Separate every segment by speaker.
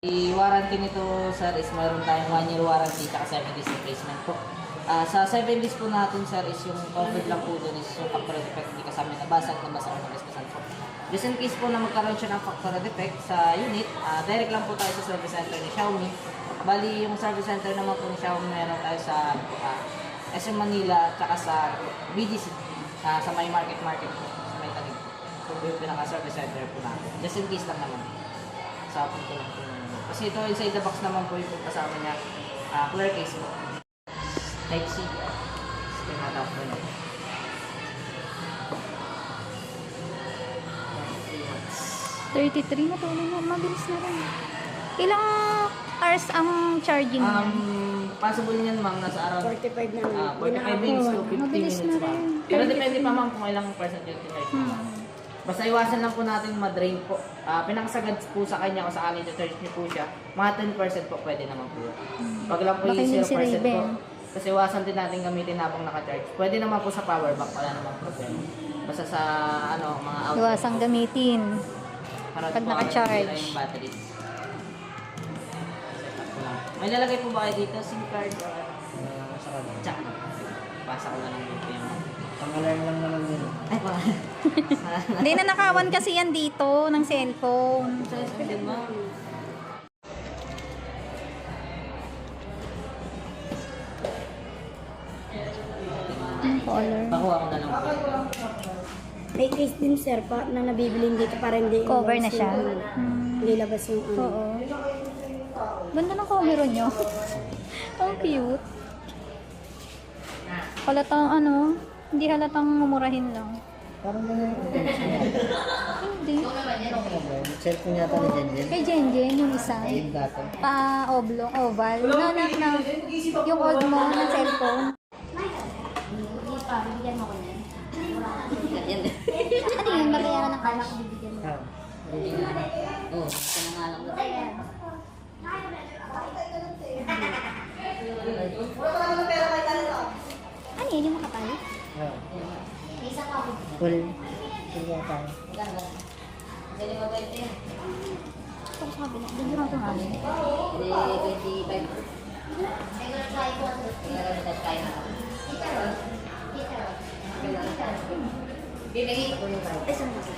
Speaker 1: I-warranty nito, sir, is mayroon tayong 1-year warranty at 7 days replacement po. Sa 7 days po natin, sir, is yung covered lang po doon is yung factory defect, hindi kasama nabasag o nabasbasan po. Just in case po na magkaroon siya ng factory defect sa unit, direct lang po tayo sa service center ni Xiaomi. Bali, yung service center naman po ni Xiaomi meron tayo sa SM Manila at sa BGC, sa may market po, sa may Taguig po. So, yung pinaka-service center po natin. Just in case lang naman. Sa punto lang po. Kasi ito inside the box naman po yung kasama niya, clear case po. Type C. Pinatap po niya.
Speaker 2: 33 na to. Mabilis na rin. Ilang hours ang charging niya?
Speaker 1: Possible niyan ma'am, nasa around
Speaker 3: 45 na
Speaker 1: 45 minutes to 50
Speaker 2: Mabilis
Speaker 1: minutes
Speaker 2: na
Speaker 1: pa.
Speaker 2: rin.
Speaker 1: Pero depende pa ma'am kung ilang percent yung tinarge mo. Basta iwasan lang po natin ma-drain po. Pinakasagad po sa kanya kung sakali i-charge niyo po siya, mga 10% po pwede naman po. Pag lang po
Speaker 2: Baka
Speaker 1: yung
Speaker 2: hindi
Speaker 1: 0%
Speaker 2: si
Speaker 1: po,
Speaker 2: Raven.
Speaker 1: kasi iwasan din natin gamitin habang naka-charge. Pwede naman po sa power bank, wala namang problema. Basta sa mga outlet.
Speaker 2: Iwasang gamitin.
Speaker 1: Para
Speaker 2: pag
Speaker 1: po
Speaker 2: naka-charge.
Speaker 1: yung battery. May lalagay po ba kayo dito? SIM card or
Speaker 4: Sa kanya.
Speaker 1: jack? Pasa ko na lang dito yung...
Speaker 4: Pang-alarm lang naman yun.
Speaker 1: Ay, pa.
Speaker 2: Hindi na nakawan kasi yan dito ng cellphone.
Speaker 1: Sa din mo.
Speaker 2: Ang color.
Speaker 1: Pakuha ko na lang po.
Speaker 3: May case din sir pa na nabibilin dito para hindi
Speaker 2: Cover na
Speaker 3: labas
Speaker 2: siya.
Speaker 3: yung, hindi labas yung ano.
Speaker 2: Oo. Ganda ng camera niyo. Ang cute. Halatang hindi halatang mumurahin lang.
Speaker 4: Parang ganyan yung intention niya.
Speaker 2: Hindi.
Speaker 4: Cellphone yata ni Jenjen.
Speaker 2: Kay Jenjen, yung isa.
Speaker 4: Ayun dati.
Speaker 2: Pa-oblong, oval. Nanak na yung old mo ng cellphone.
Speaker 1: Yan din.
Speaker 2: Ano yun? Babayaran ng cash?
Speaker 4: Ah.
Speaker 1: Oo, ito na nga lang.
Speaker 2: Ano yun? Yung makapal?
Speaker 4: Ah. Full. Full yata.
Speaker 1: Hindi mo 20 yan.
Speaker 2: Ito ko sa kabila. Doon yung mga namin.
Speaker 1: Hindi, 25. Kaya na. Bibigay ko yung card.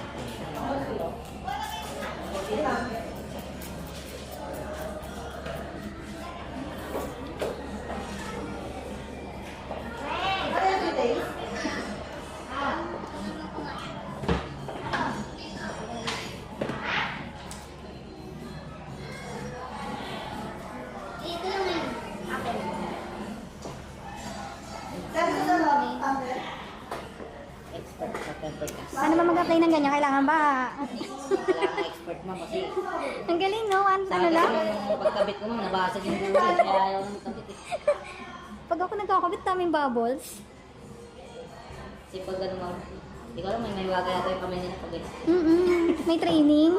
Speaker 1: Expert sa tempered glass.
Speaker 2: Paano ba mag-apply ng ganyan? Kailangan ba?
Speaker 1: Kailangan expert mo kasi
Speaker 2: Ang galing, no? Ano
Speaker 1: sabi
Speaker 2: lang?
Speaker 1: yung pagkabit ko ma'am, nabasag yung buhay. Kaya ayaw ko magkabit eh.
Speaker 2: Pag ako nagkakabit, daming bubbles.
Speaker 1: Kasi pag ano ma'am, hindi ko alam, may waga yata yung kamay nila pag ganyan.
Speaker 2: May training.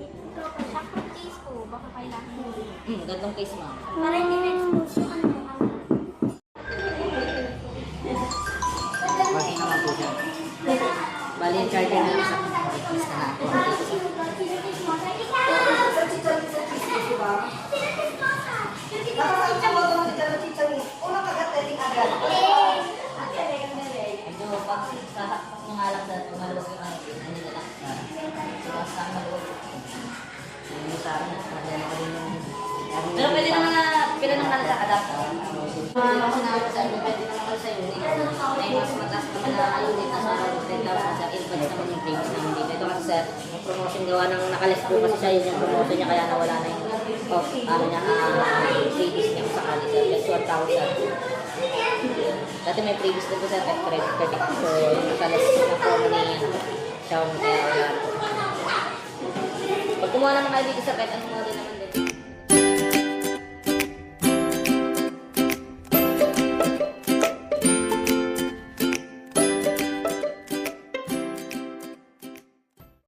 Speaker 1: Gantong case ma'am.
Speaker 2: Para hindi na-expose yung ano.
Speaker 1: Working naman po siya. Bali yung charger na lang sa case na natin. Medyo pag sasaksak mo nga lang sa tumalabas yung ano nila lang. So, sa ano ko. Yung sa akin, problema ko din yung... Pero pwede naman na, pila naman na sa adapter. Kasi naman sa inyo, pwede naman sa unit. May mas mataas naman na unit na sa 10,000 sa earbuds naman yung previous naman dito. Ito kasi sir, yung promotion gawa ng nakalist po kasi siya yun yung promotion niya kaya nawala na yung previous niya kung sakali sir. That's 1,000. Dati may previous na po sir, credit credit. So, yung nakalist na promo ni Xiaomi kaya wala. Pag kumuha naman kayo dito sa kahit anong model naman